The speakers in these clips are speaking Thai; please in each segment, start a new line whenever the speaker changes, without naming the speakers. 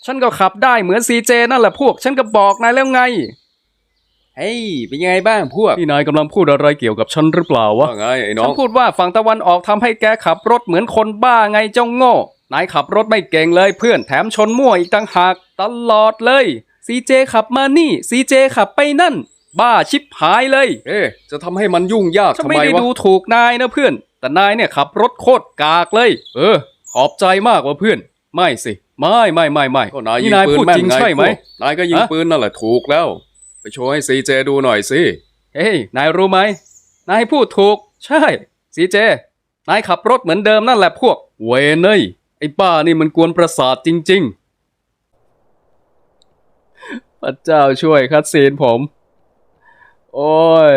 ฉันก็ขับได้เหมือนซีเจนั่นแหละพวกฉันก็บอกนายแล้วไงเฮ้ยเป็นยังไงบ้างพวกนี่นายกำลังพูดอะไรเกี่ยวกับฉันหรือเปล่าวะ
ว่าไงไอ้น้อง
ฉันพูดว่าฝั่งตะวันออกทำให้แกขับรถเหมือนคนบ้าไงเจ้าโง่นายขับรถไม่เก่งเลยเพื่อนแถมชนมั่วอีกต่างหากตลอดเลยซีเจขับมานี่ซีเจขับไปนั่นบ้าชิบหายเลย
จะทำให้มันยุ่งยาก
ฉัน
ทำ
ไม่
ไม
ได้
วะ
ดูถูกนายนะเพื่อนแต่นายเนี่ยขับรถโคตรกากเลยขอบใจมากว่ะเพื่อนไม่สิไม่
ก็นายยิ
นี่
ง
นาย
ปืน
พูด
แม่น
จริง
ไง
ใช่ไหม
พวกนายก็ยิง
ฮะ
ปืนนั่นแหละถูกแล้ว ไปโชว์ให้ซีเจดูหน่อยสิ
เฮ้ยนายรู้ไหมนายพูดถูกใช่ซีเจนายขับรถเหมือนเดิมนั่นแหละพวกเวนเนยไอ้ป้านี่มันกวนประสาทจริงๆพระเจ้าช่วยคัดซีนผมโอ้ย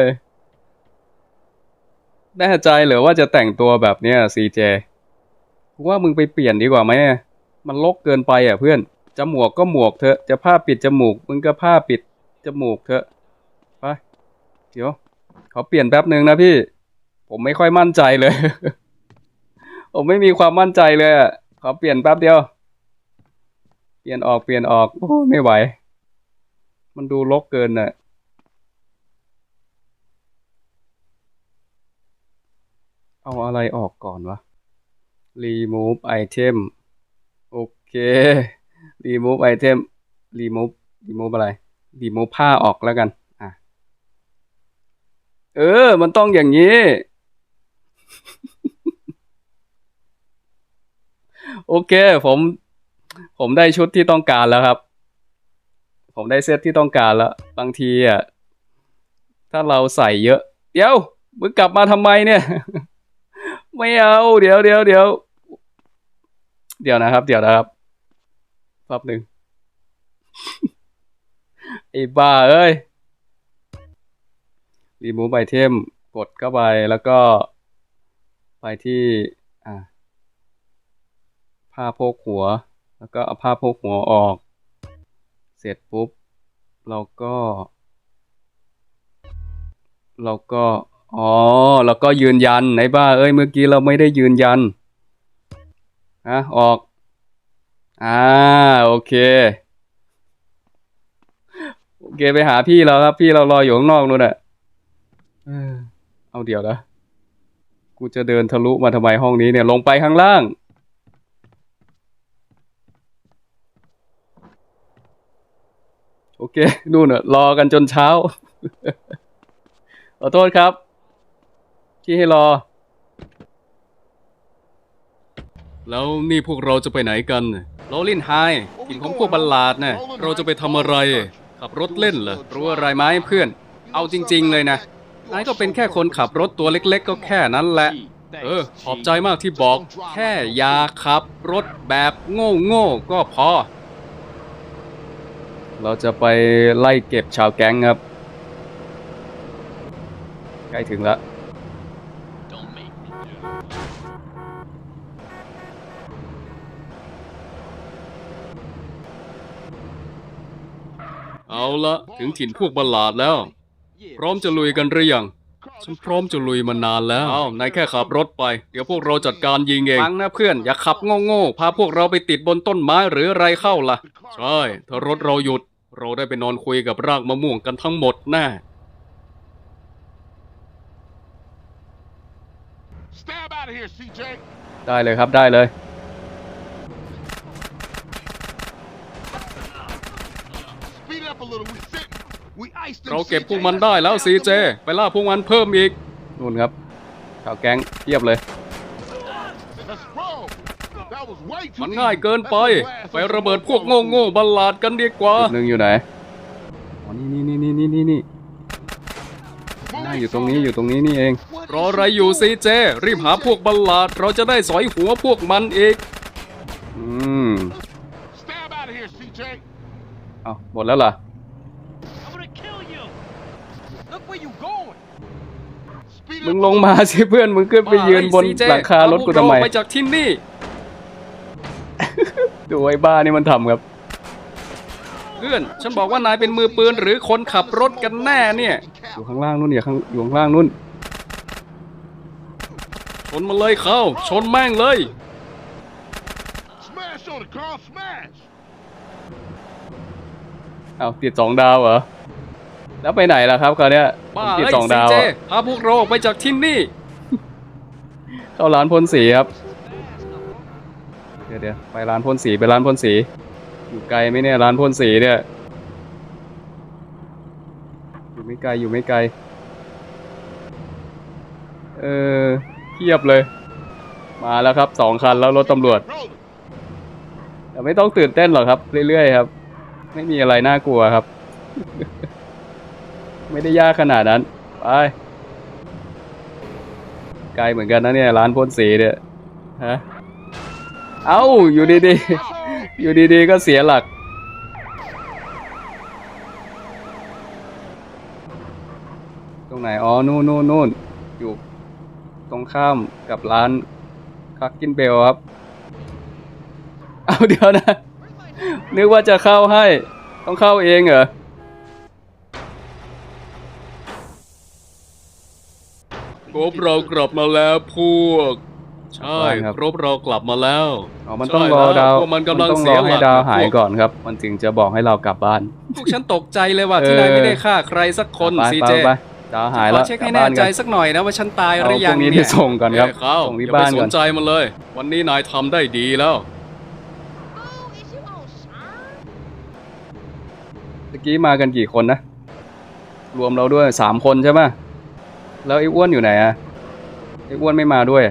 แน่ใจเหรือว่าจะแต่งตัวแบบเนี้ยซีเจว่ามึงไปเปลี่ยนดีกว่าไหมมันรกเกินไปอ่ะเพื่อนจมูกก็หมวกเถอะจะผ้าปิดจมูกมึงก็ผ้าปิดจมูกเถอะไปเดี๋ยวขอเปลี่ยนแป๊บหนึ่งนะพี่ผมไม่ค่อยมั่นใจเลย ผมไม่มีความมั่นใจเลยอ่ะขอเปลี่ยนแป๊บเดียวเปลี่ยนออกโอ้ไม่ไหวมันดูรกเกินอ่ะเอาอะไรออกก่อนวะ remove item โอเค remove item remove อะไร remove ผ้าออกแล้วกันมันต้องอย่างนี้ โอเคผมได้ชุดที่ต้องการแล้วครับ ผมได้เซตที่ต้องการแล้วบางทีอ่ะถ้าเราใส่เยอะเดี๋ยวมึงกลับมาทำไมเนี่ย ไม่เอาเดี๋ยวนะครับแป๊บหนึ่ง ไอ้บ้าเอ้ย remove item กดเข้าไปแล้วก็ไปที่ผ้าโพกหัวแล้วก็เอาผ้าโพกหัวออกเสร็จปุ๊บเราก็แล้วก็ยืนยันไอ้บ้าเอ้ยเมื่อกี้เราไม่ได้ยืนยันออกโอเคไปหาพี่เราครับพี่เรารออยู่ข้างนอกนู่นน่ะเอาเดี๋ยวนะกูจะเดินทะลุมาทำไมห้องนี้เนี่ยลงไปข้างล่างโอเคนู่นน่ะรอกันจนเช้า ขอโทษครับที่ให้รอแล้วนี่พวกเราจะไปไหนกันโรลินไฮถิ่นของพวกบัลลาดน่ะเราจะไปทำอะไรขับรถเล่นเหรอรู้อะไรไหมเพื่อนเอาจริงๆเลยนะนายก็เป็นแค่คนขับรถตัวเล็กๆก็แค่นั้นแหละขอบใจมากที่บอกแค่อย่าขับรถแบบโง่ก็พอเราจะไปไล่เก็บชาวแก๊งครับใกล้ถึงแล้วเอาละถึงถิ่นพวกบัลลาดแล้วพร้อมจะลุยกันหรือยังฉันพร้อมจะลุยมานานแล้วนายแค่ขับรถไปเดี๋ยวพวกเราจัดการยิงเองฟังนะเพื่อนอย่าขับโง่พาพวกเราไปติดบนต้นไม้หรืออะไรเข้าล่ะใช่ถ้ารถเราหยุดเราได้ไปนอนคุยกับรากมะม่วงกันทั้งหมดแน่ได้เลยครับได้เลยเราเก็บพวกมันได้แล้วซีเจไปล่าพวกมันเพิ่มอีกนู่นครับข่าวแก๊งเทียบเลยมันง่ายเกินไไประเบิดพวกโง่บัลลาดกันดีกว่าหนึ่งอยู่ไหนอ๋อนี่น่าอยู่ตรงนี้นี่เองรออะไรอยู่ซีเจรีบหาพวกบัลลาดเราจะได้สอยหัวพวกมันอีกเอาหมดแล้วล่ะมึงลงมาสิเพื่อนมึงขึ้นไปยืนบนหลังคารถกูทำไมไปจากที่นี่ ดูไอ้บ้านี่มันทำครับเพื่อนฉันบอกว่านายเป็นมือปืนหรือคนขับรถกันแน่เนี่ยอยู่ข้างล่างนู่นอยู่ข้างล่างนู่นชนมาเลยชนแม่งเลยเอาติด2 ดาวเหรอแล้วไปไหนล่ะครับคราวเนี้ยผม
บ้า
ติด
เอ้ย
2
ซี
ดาว
เจ
อะ
พาพวกเราออกไปจากที่นี่
เข้าร้านพ่นสีครับเดี๋ยวไปร้านพ่นสีอยู่ไกลไหมเนี่ยร้านพ่นสีเนี่ยอยู่ไม่ไกลเทียบเลยมาแล้วครับ2 คันแล้วรถตำรวจแต่ไม่ต้องตื่นเต้นหรอกครับเรื่อยๆครับไม่มีอะไรน่ากลัวครับ ไม่ได้ยากขนาดนั้นไปไกลเหมือนกันนะเนี่ยร้านพ่นสีเนี่ยฮะเอ้าอยู่ดีๆอยู่ดีๆก็เสียหลักตรงไหนอ๋อนู่นอยู่ตรงข้ามกับร้านคักกินเบลครับเอาเดี๋ยวนะนึกว่าจะเข้าให้ต้องเข้าเองเหรอ
ครบเรากลับมาแล้วพวก ใช่
ครับ
ครบเรากลับมาแล้ว
อ๋อมันต้องรอดาว
พวกมันกำลัง
ต้อง
เสี
ร
ย
อ
ห
ให้
ลัก
ดาว
นะ
หาย
พว
ก่อนครับ มันจึงจะบอกให้เรากลับบ้าน
พวกฉันตกใจเลยว่าที่นายไม่ได้ฆ่าใครสักคน
ไป
ซี
ไป
เจ
ไปดาวหาย
ข
แล้
อ
ว
เช็ค
กลั
ให้
บ
แน่
บ้าน
ใจ
กัน
สักหน่อยนะว่าฉันตายห
เอา
รือ
พ
ยั
ว
ง
กนี้
เนี่
ที่
ย
ส่งก่อนครับ
เข้า
ส่งที่
อย่าไป
บ้าน
ส
ก่อน
นใจมันเลย วันนี้นายทำได้ดีแล้ว
เมื่อกี้มากันกี่คนนะ รวมเราด้วย3 คนใช่ไหมแล้วไอ้อ้วนอยู่ไหนอะไอ้อ้วนไม่มาด้วย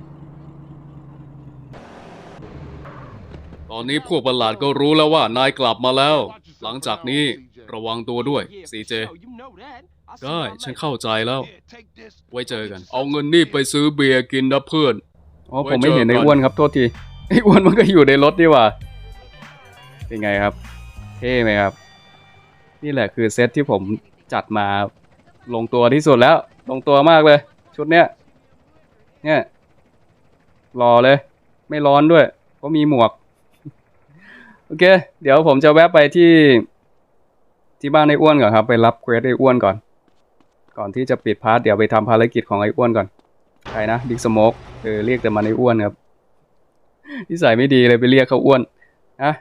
ตอนนี้พวกประหลาดก็รู้แล้วว่านายกลับมาแล้ว หลังจากนี้ระวังตัวด้วยซีเจ ได้ฉันเข้าใจแล้ว ไว้เจอกัน เอาเงินนี่ไปซื้อเบียร์กินนะเพื่อน
อ๋อผมไม่เห็นไอ้อ้วนครับโทษทีไอ้อ้วนมันก็อยู่ในรถนี่หว่าเป็นไงครับเท่ไหมครับนี่แหละคือเซตที่ผมจัดมาลงตัวที่สุดแล้วลงตัวมากเลย ชุดเนี้ยเนี่ยรอเลยไม่ร้อนด้วยเพราะมีหมวกโอเคเดี๋ยวผมจะแวะไปที่บ้านไอ้อ้วนก่อนครับไปรับเควสไอ้อ้วนก่อนที่จะปิดพาร์ทเดี๋ยวไปทำภารกิจของไอ้อ้วนก่อนใครนะบิ๊กสโมกเรียกแต่มันไอ้อ้วนครับนิสัยไม่ดีเลยไปเรียกเขาอ้วนนะ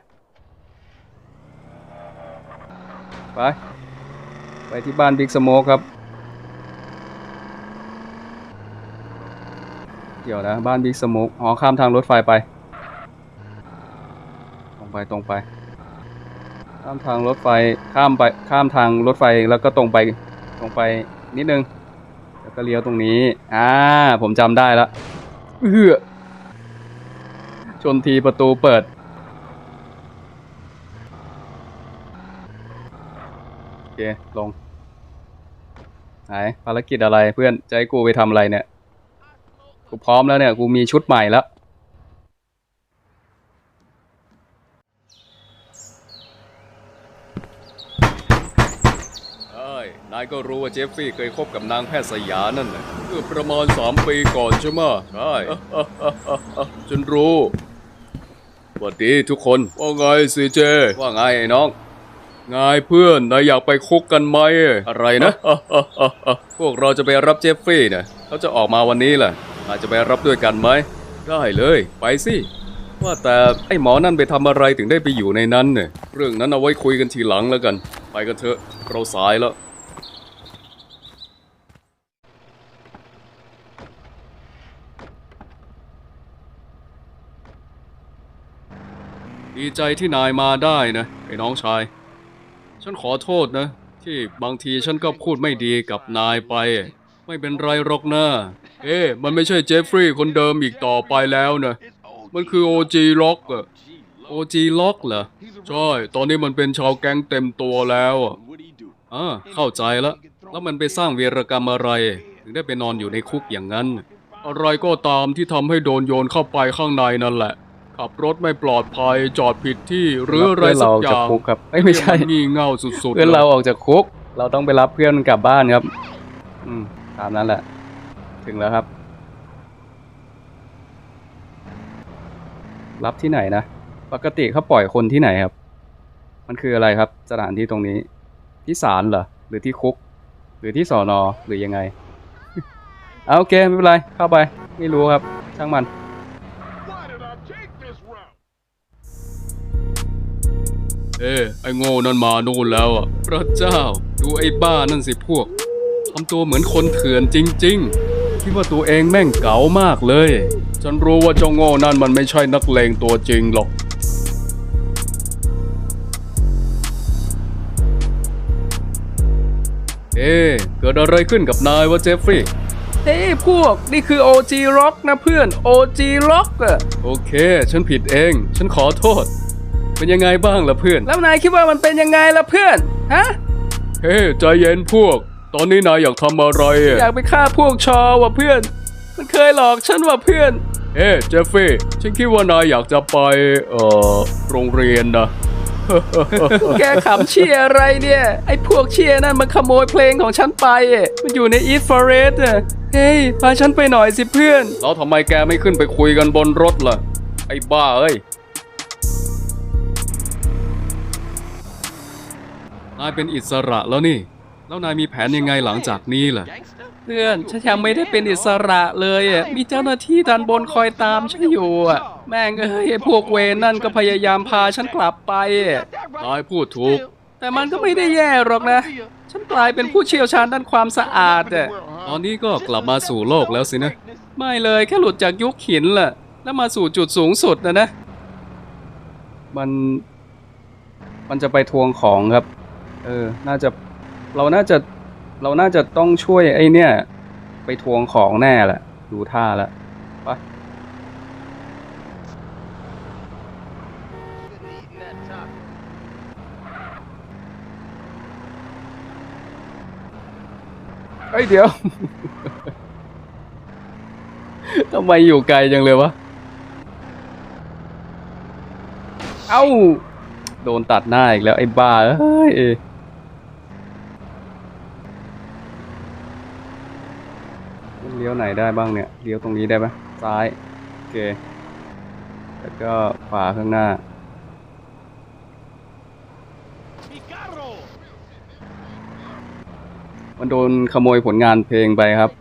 ไปที่บ้านบิ๊กสโมกครับเดี๋ยวนะบ้านบิ๊กสโมกอ๋อข้ามทางรถไฟไปตรงไปข้ามทางรถไฟข้ามทางรถไฟแล้วก็ตรงไปนิดนึงแล้วก็เลี้ยวตรงนี้ผมจำได้แล้วชนทีประตูเปิดโอเคลงไหนภารกิจอะไรเพื่อนจะให้กูไปทำอะไรเนี่ยกูพร้อมแล้วเนี่ยกูมีชุดใหม่แล้ว
นายก็รู้ว่าเจฟฟี่เคยคบกับนางแพทย์สยานั่นนะเมื่อประมาณ3 ปีก่อนใช่ไหมใช่ ฉันรู้สวัสดีทุกคนว่าไงซีเจว่าไงไอ้น้องไงเพื่อนนายอยากไปคุกกันไหมอะไรนะ พวกเราจะไปรับเจฟฟี่นะเขาจะออกมาวันนี้แหละนายจะไปรับด้วยกันไหมได้เลยไปสิว่าแต่ไอ้หมอนั่นไปทำอะไรถึงได้ไปอยู่ในนั้นเนี่ยเรื่องนั้นเอาไว้คุยกันทีหลังแล้วกันไปกันเถอะเราสายแล้วดีใจที่นายมาได้นะไอ้น้องชายฉันขอโทษนะที่บางทีฉันก็พูดไม่ดีกับนายไปไม่เป็นไรหรอกนะมันไม่ใช่เจฟฟรีย์คนเดิมอีกต่อไปแล้วนะมันคือ OG ล็อกอะ OG ล็อกเหรอใช่ตอนนี้มันเป็นชาวแก๊งเต็มตัวแล้วเข้าใจแล้วมันไปสร้างวีรกรรมอะไรถึงได้ไปนอนอยู่ในคุกอย่างนั้นอะไรก็ตามที่ทำให้โดนโยนเข้าไปข้างในนั่นแหละขับรถไม่ปลอดภัยจอดผิดที่หรืออะไรสักอย่าง
คุกครับไม่ใช่
งี่เง่าสุดๆ
เพื่อนเราออกจากคุกเราต้องไปรับเพื่อนกลับบ้านครับตามนั้นแหละถึงแล้วครับรับที่ไหนนะปกติเขาปล่อยคนที่ไหนครับมันคืออะไรครับสถานที่ตรงนี้ที่ศาลเหรอหรือที่คุกหรือที่สน.หรือยังไง เอาโอเคไม่เป็นไรเข้าไปไม่รู้ครับช่างมัน
ไอ้โง่นั่นมานู่นแล้วอ่ะพระเจ้าดูไอ้บ้านั่นสิพวกทำตัวเหมือนคนเถื่อนจริงๆคิดว่าตัวเองแม่งเก๋ามากเลยฉันรู้ว่าเจ้าโง่นั่นมันไม่ใช่นักเลงตัวจริงหรอกเกิดอะไรขึ้นกับนายวะเจฟฟรีย์เฮ้ยพวกนี่คือ OG Rock นะเพื่อน OG Rock อะโอเคฉันผิดเองฉันขอโทษเป็นยังไงบ้างล่ะเพื่อนแล้วนายคิดว่ามันเป็นยังไงล่ะเพื่อนฮะใจเย็นพวกตอนนี้นายอยากทำอะไรอยากไปฆ่าพวกชอว่ะเพื่อนมันเคยหลอกฉันว่ะเพื่อนเจฟฟี่ฉันคิดว่านายอยากจะไปโรงเรียนนะ แกขำเชียอะไรเนี่ยไอ้พวกเชียนั่นมันขโมยเพลงของฉันไปมันอยู่ใน East Forest เฮ้ยพาฉันไปหน่อยสิเพื่อนแล้วทำไมแกไม่ขึ้นไปคุยกันบนรถล่ะไอ้บ้าเอ้ยนายเป็นอิสระแล้วนี่แล้วนายมีแผนยังไงหลังจากนี้ล่ะเพื่อนฉันยังไม่ได้เป็นอิสระเลยมีเจ้าหน้าที่ด้านบนคอยตามฉันอยู่แม่งเอ้ยพวกเวรนั่นก็พยายามพาฉันกลับไปนายพูดถูกแต่มันก็ไม่ได้แย่หรอกนะฉันกลายเป็นผู้เชี่ยวชาญด้านความสะอาดตอนนี้ก็กลับมาสู่โลกแล้วสินะไม่เลยแค่หลุดจากยุคหินแหละแล้วมาสู่จุดสูงสุดนะมันจะไปทวงของครับเราน่าจะต้องช่วยไอ้เนี่ยไปทวงของแน่แหละดูท่าแล้วไปเดี๋ยว ทำไมอยู่ไกลจังเลยวะเอ้าโดนตัดหน้าอีกแล้วไอ้บ้าเอ้ยเลี้ยวไหนได้บ้างเนี่ยเลี้ยวตรงนี้ได้ปะซ้ายโอเคแล้วก็ขวาข้างหน้ามันโดนขโมยผลงานเพลงไปครับ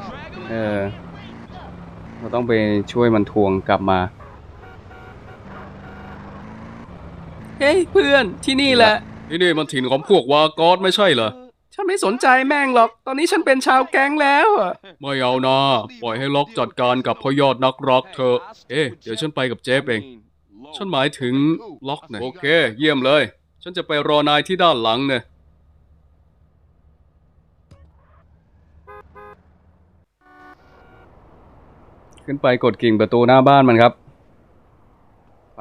เราต้องไปช่วยมันทวงกลับมาเฮ้ยเพื่อนที่นี่แหละที่นี่มันถิ่นของพวกวากอสไม่ใช่เหรอฉันไม่สนใจแม่งหรอกตอนนี้ฉันเป็นชาวแก๊งแล้วไม่เอานะปล่อยให้ล็อกจัดการกับพ่อยอดนักร็อกเถอะเดี๋ยวฉันไปกับเจฟเองฉันหมายถึงล็อกนะโอเคเยี่ยมเลยฉันจะไปรอนายที่ด้านหลังเนี่ยขึ้นไปกดกิ่งประตูหน้าบ้านมันครับไป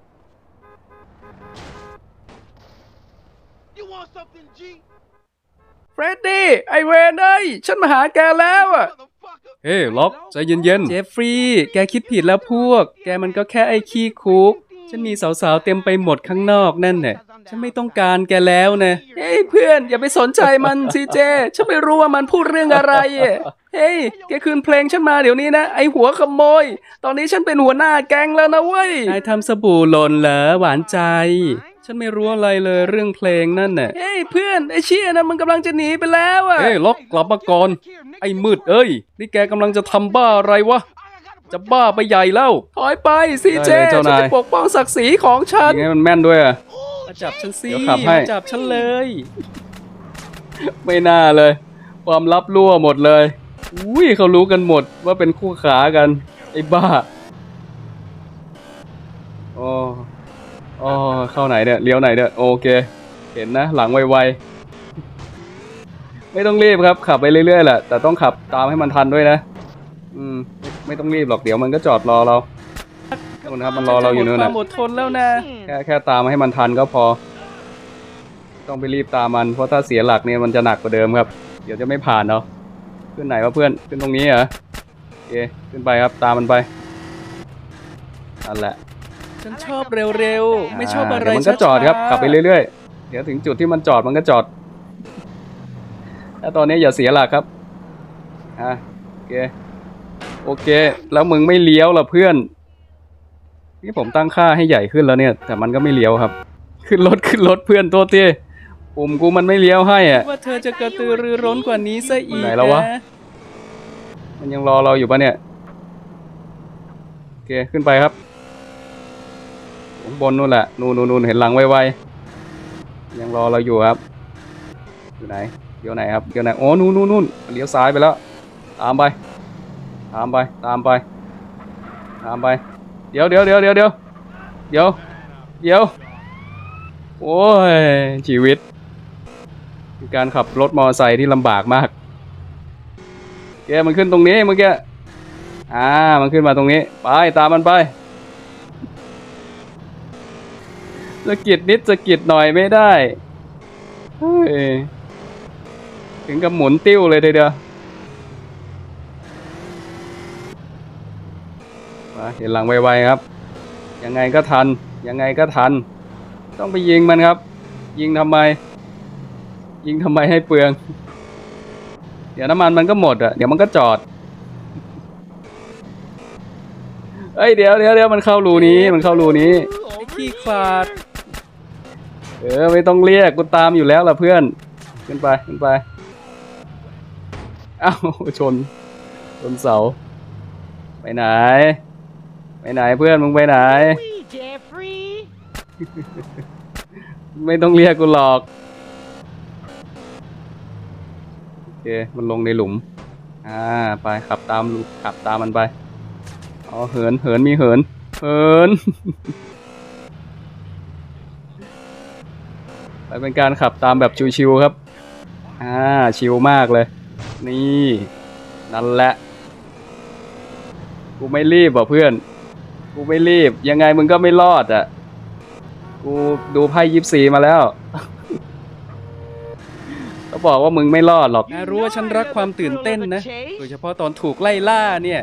เฟรดดี้ไอเวนเอ้ยฉันมาหาแกแล้วล็อกใจเย็นๆเจฟฟรีย์แกคิดผิดแล้วพวกแกมันก็แค่ไอ้ขี้คุกฉันมีสาวๆเต็มไปหมดข้างนอกนั่นแหละฉันไม่ต้องการแกแล้วนะเฮ้ยเพื่อนอย่าไปสนใจมันสิเจฉันไม่รู้ว่ามันพูดเรื่องอะไรเฮ้ยแกคืนเพลงฉันมาเดี๋ยวนี้นะไอหัวขโมยตอนนี้ฉันเป็นหัวหน้าแก๊งแล้วนะเว้ยนายทำสบู่หล่นเหรอหวานใจฉันไม่รู้อะไรเลยเรื่องเพลงนั่นน่ะเฮ้ยเพื่อนไอเชี่ยนั่นมันกำลังจะหนีไปแล้วล็อกกลับมาก่อนไอ้มืดเอ้ยนี่แกกำลังจะทำบ้าอะไรวะจะบ้าไปใหญ่แล้วถอยไปสิเจฉันจะปกป้องศักดิ์ศรีของฉันยังไงมันแม่นด้วยมาจับฉันสิมาจับฉันเลยไม่น่าเลยความลับรั่วหมดเลยอุ้ยเขารู้กันหมดว่าเป็นคู่ขากันไอ้บ้าอ๋อเข้าไหนเนี่ยเลี้ยวไหนเนี่ยโอเคเห็นนะหลังไวๆไม่ต้องรีบครับขับไปเรื่อยๆแหละแต่ต้องขับตามให้มันทันด้วยนะไม่ต้องรีบหรอกเดี๋ยวมันก็จอดรอเราครับมันรอเราอยู่นู่นนะหมดทนแล้วนะแค่ตามให้มันทันก็พอต้องไปรีบตามมันเพราะถ้าเสียหลักเนี่ยมันจะหนักกว่าเดิมครับเดี๋ยวจะไม่ผ่านเนาะขึ้นไหนวะเพื่อนขึ้นตรงนี้เหรอโอเคขึ้นไปครับตามมันไปนั่นแหละฉันชอบเร็วๆไม่ชอบอะไรมันก็จอดครับขับไปเรื่อยๆเดี๋ยวถึงจุดที่มันจอดมันก็จอดแล้วตอนนี้อย่าเสียหลักครับโอเคแล้วมึงไม่เลี้ยวล่ะเพื่อนนี่ผมตั้งค่าให้ใหญ่ขึ้นแล้วเนี่ยแต่มันก็ไม่เลี้ยวครับขึ้นรถเพื่อนตัวเตี้ยปุ่มกูมันไม่เลี้ยวให้ว่าเธอจะกระตือรือร้นกว่านี้ซะอีกไหนแล้ววะมันยังรอเราอยู่ปะเนี่ยโอเคขึ้นไปครับบนนู่นแหละนู่นเห็นหลังไว
ยังรอเราอยู่ครับอยู่ไหนเดี๋ยวไหนครับเดี๋ยวไหนโอ้นู่นเลี้ยวซ้ายไปแล้วตามไปตามไปตามไปตามไปเดี๋ยวโอ้ยชีวิตคือการขับรถมอเตอร์ไซค์ที่ลำบากมากแกมันขึ้นตรงนี้เมื่อกี้มันขึ้นมาตรงนี้ไปตามมันไปสะกิดนิดสะกิดหน่อยไม่ได้เฮ้ยถึงกับหมุนติ้วเลยทีเดียวมาเห็นหลังไวๆครับยังไงก็ทันต้องไปยิงมันครับยิงทำไมให้เปลืองเดี๋ยวน้ำมันมันก็หมดอ่ะเดี๋ยวมันก็จอดเอ้ยเดี๋ยวมันเข้ารูนี้
ไอ้ขี้ขลาด
ไม่ต้องเรียกกูตามอยู่แล้วล่ะเพื่อนขึ้นไปเอ้าชนเสาไปไหนเพื่อนมึงไปไหนไม่ต้องเรียกกูหรอกโอเคมันลงในหลุมไปขับตามมันไปเหินมีเหินไปเป็นการขับตามแบบชิวๆครับชิวมากเลยนี่นั่นแหละกูไม่รีบเพื่อนกูไม่รีบยังไงมึงก็ไม่รอดอ่ะกูดูไพ่24มาแล้วก็บอกว่ามึงไม่รอดหรอก
รู้ว่าฉันรักความตื่นเต้นนะโดยเฉพาะตอนถูกไล่ล่าเนี่ย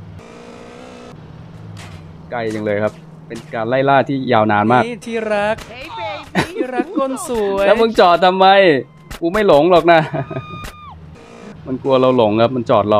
ไกลจังเลยครับเป็นการไล่ล่าที่ยาวนานมาก
ที่รักก้นสวย
แล้วมึงจอดทำไมกูไม่หลงหรอกนะมันกลัวเราหลงครับมันจอดรอ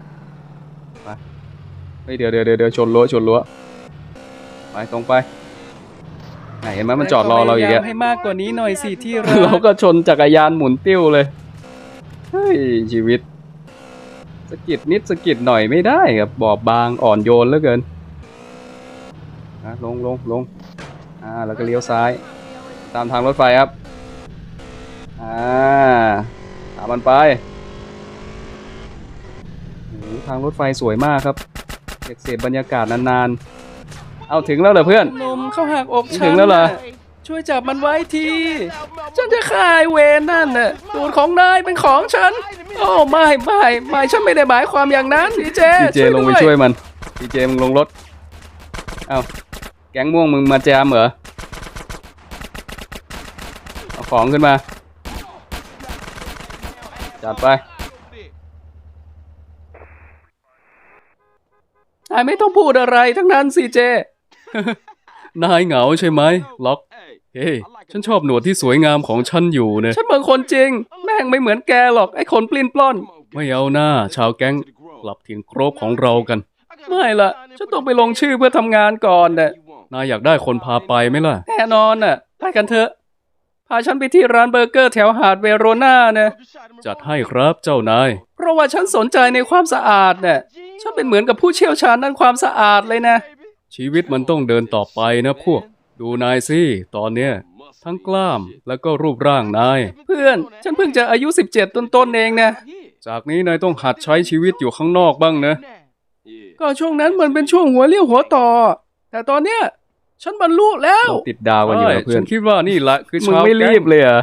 ไปเดี๋ยวชนรั้วไปตรงไปไหนเห็นไหมมันจอดรอเราอย่างเงี้ย
ให้มากกว่านี้หน่อยสิที่รัก
เราก็ชนจักรยานหมุนติ้วเลยเฮ้ยชีวิตสะกิดนิดสะกิดหน่อยไม่ได้ครับบอบบางอ่อนโยนเหลือเกินลงแล้วก็เลี้ยวซ้ายตามทางรถไฟครับตามมันไปทางรถไฟสวยมากครับเสพบรรยากาศนานๆเอาถึงแล้วเหรอเพื่อน
นมเข้าหักอกฉัน
ถึงแล้วเหรอ
ช่วยจับมันไว้ทีฉันจะฆ่าไอ้เวรนั่นน่ะตูดของนายเป็นของฉันโอ้ไม่ฉันไม่ได้หมายความอย่างนั้นดีเจ
ลงไปช่วยมันดีเจมึงลงรถเอาแก๊งม่วงมึงมาแจมเหรอเอาของขึ้นมาจัดไป
นายไม่ต้องพูดอะไรทั้งนั้นสิเจ นายเหงาใช่ไหมล็อกเฮ้ยฉันชอบหนวดที่สวยงามของฉันอยู่เนี่ยฉันบางคนจริงแม่งไม่เหมือนแกหรอกไอ้คนปลิ้นปล้อนไม่เอาหน้าชาวแก๊งกลับถิ่นโครบของเรากันไม่ละฉันต้องไปลงชื่อเพื่อทำงานก่อนน่ะนายอยากได้คนพาไปไหมล่ะแน่นอนน่ะไปกันเถอะพาฉันไปที่ร้านเบอร์เกอร์แถวหาดเวโรนานะจัดให้ครับเจ้านายเพราะว่าฉันสนใจในความสะอาดน่ะฉันเป็นเหมือนกับผู้เชี่ยวชาญด้านความสะอาดเลยนะชีวิตมันต้องเดินต่อไปนะพวกดูนายสิตอนเนี้ยทั้งกล้ามแล้วก็รูปร่างนายเพื่อนฉันเพิ่งจะอายุ17ต้นๆเองนะจากนี้นายต้องหัดใช้ชีวิตอยู่ข้างนอกบ้างนะก็ช่วงนั้นมันเป็นช่วงหัวเลี้ยวหัวต่อแต่ตอนเนี้ยฉันบรรลุแล้ว
ติดดาวกันอยู่นะเพื่อน
ฉันคิดว่านี่แหละคือ
มึงไม่รีบเลยอ่ะ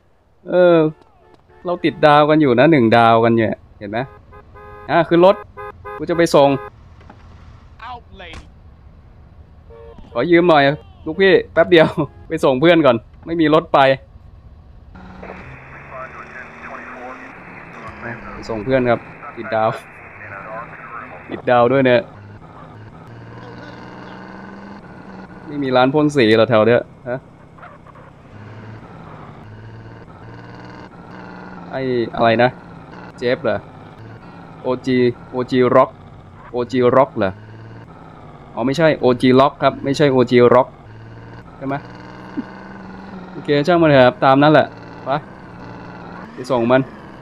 เราติดดาวกันอยู่นะ1 ดาวกันเนี่ยเห็นไหมคือรถกูจะไปส่งขอยืมหน่อยลูกพี่แป๊บเดียวไปส่งเพื่อนก่อนไม่มีรถไปส่งเพื่อนครับติดดาวด้วยเนี่ยไม่มีร้านพ่นสีเหรอแถวเนี้ยฮะไออะไรนะเจฟเหรอOG Rockเหรออ๋อไม่ใช่ OG Rock ครับไม่ใช่ OG Rock ใช่ไหมโอเคช่างมันเถอะครับตามนั้นแหละไปส่งมัน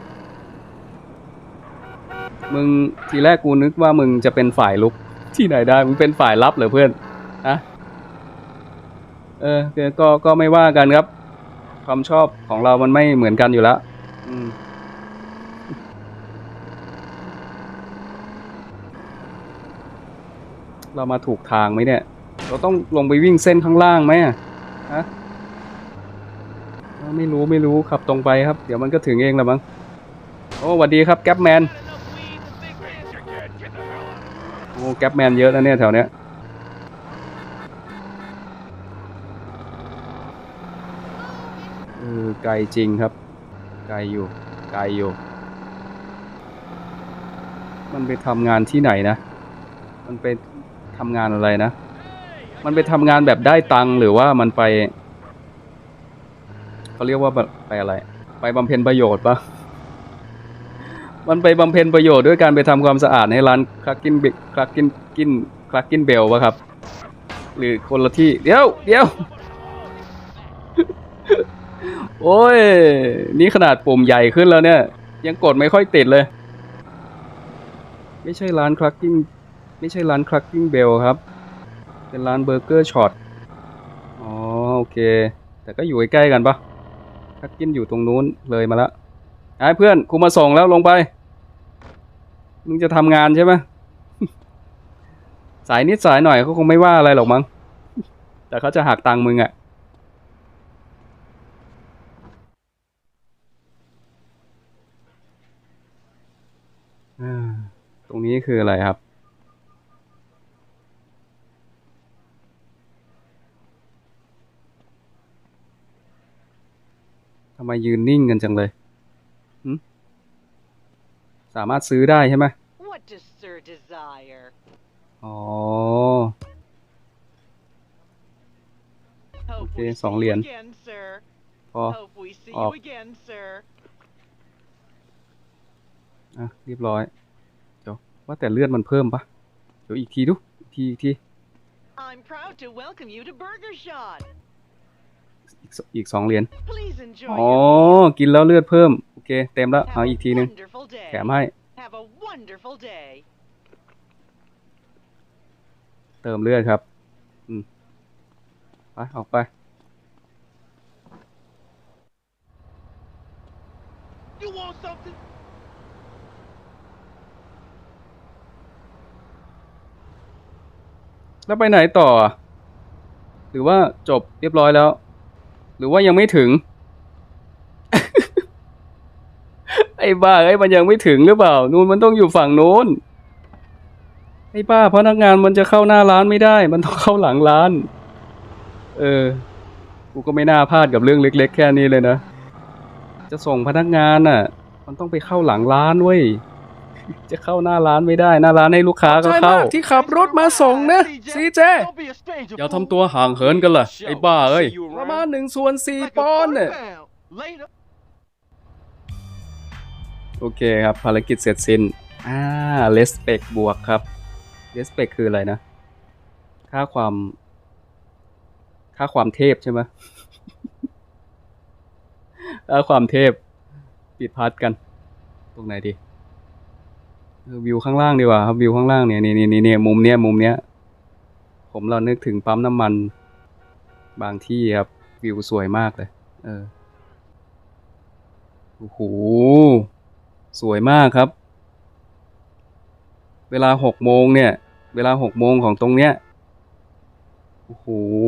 มึงทีแรกกูนึกว่ามึงจะเป็นฝ่ายลุกที่ไหนได้มึงเป็นฝ่ายรับเหรอเพื่อนฮะก็ไม่ว่ากันครับความชอบของเรามันไม่เหมือนกันอยู่แล้วเรามาถูกทางไหมเนี่ย เราต้องลงไปวิ่งเส้นข้างล่างไหมฮะไม่รู้ขับตรงไปครับ เดี๋ยวมันก็ถึงเองแหละมั้งโอ้สวัสดีครับแก๊ปแมนโอ้แก๊ปแมนเยอะนะเนี่ยแถวเนี้ยไกลจริงครับไกลอยู่มันไปทำงานที่ไหนนะมันไปทำงานอะไรนะมันไปทำงานแบบได้ตังค์หรือว่ามันไปเขาเรียกว่าไปอะไรไปบำเพ็ญประโยชน์ปะมันไปบำเพ็ญประโยชน์ด้วยการไปทำความสะอาดให้ร้านคลักกินเบลปะครับหรือคนละที่เดี๋ยวโอ้ยนี่ขนาดปุ่มใหญ่ขึ้นแล้วเนี่ยยังกดไม่ค่อยติดเลยไม่ใช่ร้านคลักกิ้งเบลครับเป็นร้านเบอร์เกอร์ช็อตอ๋อโอเคแต่ก็อยู่ใกล้ๆกันปะคลักกิ้นอยู่ตรงนู้นเลยมาแล้วไอ้เพื่อนกูมาส่งแล้วลงไปมึงจะทำงานใช่ไหม สายนิดสายหน่อยเขาคงไม่ว่าอะไรหรอกมั้งแต่เขาจะหักตังค์มึงอ่ะตรงนี้คืออะไรครับทำไมยืนนิ่งกันจังเลยสามารถซื้อได้ใช่ไหมอ๋อโอเค2 เหรียญพอออกเรียบร้อยเดี๋ยวว่าแต่เลือดมันเพิ่มปะเดี๋ยวอีกทีดูอีกทีอีก2 เหรียญอ๋อกินแล้วเลือดเพิ่มโอเคเต็มแล้วเอาอีกทีนึงแถมให้เติมเลือดครับไปออกไปแล้วไปไหนต่อหรือว่าจบเรียบร้อยแล้วหรือว่ายังไม่ถึง ไอ้บ้าไอ้มันยังไม่ถึงหรือเปล่านู่นมันต้องอยู่ฝั่งโน้นไอ้บ้าพนักงานมันจะเข้าหน้าร้านไม่ได้มันต้องเข้าหลังร้านกูก็ไม่น่าพลาดกับเรื่องเล็กๆแค่นี้เลยนะจะส่งพนักงานน่ะมันต้องไปเข้าหลังร้านเว้ยจะเข้าหน้าร้านไม่ได้หน้าร้านให้ลูกค้าก็เข้าที่ขับรถมาส่งนะซีเจอย่าทำตัวห่างเหินกันล่ะไอ้บ้าเอ้ยประมาณ1/4 ปอนด์เนี่ยโอเคครับภารกิจเสร็จสิ้นเลสเปกบวกครับเลสเปกคืออะไรนะค่าความเทพใช่ไหม ค่าความเทพปิดพาร์ทกันตรงไหนดีวิวข้างล่างดีกว่าครับวิวข้างล่างเนี่ยนี่มุมเนี้ยผมเรานึกถึงปั๊มน้ำมันบางที่ครับวิวสวยมากเลยโอ้โหสวยมากครับเวลา6 โมงเนี่ยเวลา6 โมงของตรงเนี้ยโอ้โห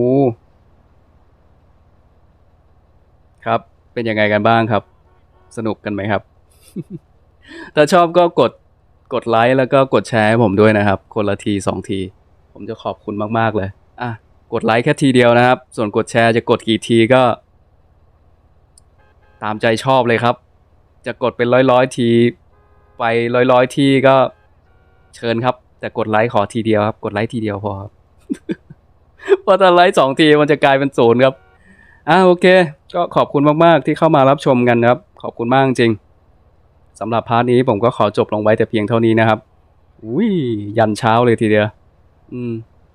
ครับเป็นยังไงกันบ้างครับสนุกกันไหมครับ ถ้าชอบก็กดไลค์แล้วก็กดแชร์ให้ผมด้วยนะครับคนละที2 ทีผมจะขอบคุณมากๆเลยกดไลค์แค่ทีเดียวนะครับส่วนกดแชร์จะกดกี่ทีก็ตามใจชอบเลยครับจะกดเป็นร้อยทีไปร้อยทีก็เชิญครับแต่กดไลค์ขอทีเดียวครับกดไลค์ทีเดียวพอครับ เพราะถ้าไลค์2 ทีมันจะกลายเป็น0ครับโอเคก็ขอบคุณมากๆที่เข้ามารับชมกันครับขอบคุณมากจริงสำหรับพาร์ทนี้ผมก็ขอจบลงไว้แต่เพียงเท่านี้นะครับยันเช้าเลยทีเดียว